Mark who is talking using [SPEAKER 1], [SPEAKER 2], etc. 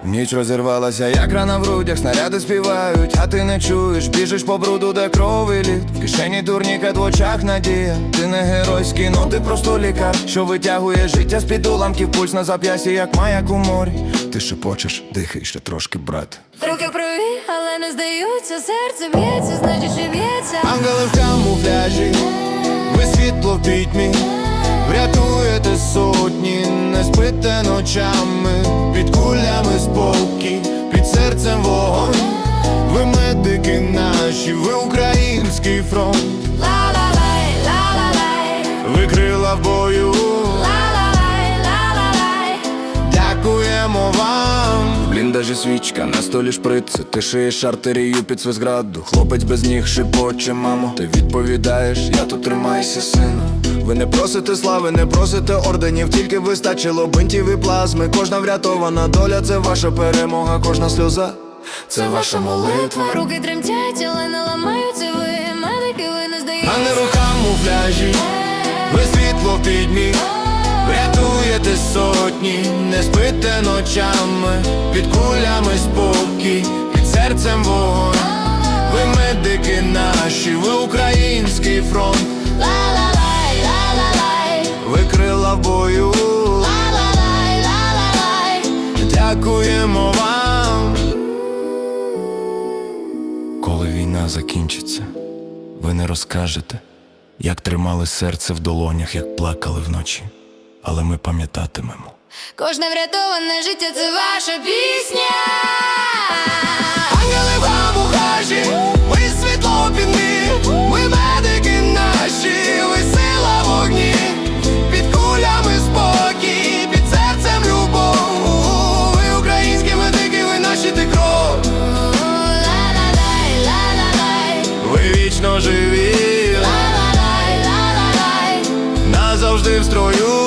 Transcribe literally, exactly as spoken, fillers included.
[SPEAKER 1] Ніч розірвалася, як рана в грудях, снаряди співають, а ти не чуєш, біжиш по бруду, де кров і лід. В кишені турнікет, в очах надія. Ти не геройський, ну ти просто лікар, що витягує життя з-під уламків, пульс на зап'ясі, як маяк у морі. Ти шепочеш, дихай ще трошки, брат.
[SPEAKER 2] Руки в крові, але не здаються, серце б'ється, значить ще б'ється.
[SPEAKER 1] Ангели в камуфляжі, ви світло в пітьмі, врятуєте сотні, не спите ночами. Під кулями спокій, під серцем вогонь. Ви медики наші, ви український фронт.
[SPEAKER 2] Ла-ла-лай, ла-ла-лай,
[SPEAKER 1] Ви крила в бою,
[SPEAKER 2] ла-ла-лай, ла-ла-лай.
[SPEAKER 1] дякуємо вам. В бліндажі свічка, на столі шприци, ти шиєш артерію під свист граду. Хлопець без ніг шепоче, мамо, ти відповідаєш, я тут тримайся, сину. Ви не просите слави, не просите орденів, тільки вистачило бинтів і плазми. Кожна врятована доля – це ваша перемога, кожна сльоза – це ваша молитва.
[SPEAKER 2] Руки тремтять, але не ламаються ви, медики, ви не здаєтеся.
[SPEAKER 1] А не рукам у пляжі, ви світло в підьмі, врятуєте сотні, не спите ночами. Під кулями спокій, під серцем вогонь. Ви медики наші, ви український фронт.
[SPEAKER 2] Ла-ла-лай, ла-ла-лай,
[SPEAKER 1] Ви крила в бою,
[SPEAKER 2] ла-ла-лай, ла-ла-лай.
[SPEAKER 1] дякуємо вам. Коли війна закінчиться, ви не розкажете, як тримали серце в долонях, як плакали вночі. Але ми пам'ятатимемо.
[SPEAKER 2] Кожне врятоване життя – це ваша пісня.
[SPEAKER 1] Ангели в камуфляжі, ви світло під мі, ви медики наші, ви сила в огні. Під кулями спокій, під серцем любов. Ви українські медики, ви наші, ти кров.
[SPEAKER 2] Ла-ла-лай, ла-ла-лай,
[SPEAKER 1] Ви вічно живі,
[SPEAKER 2] ла-ла-лай, ла-ла-лай.
[SPEAKER 1] назавжди в строю.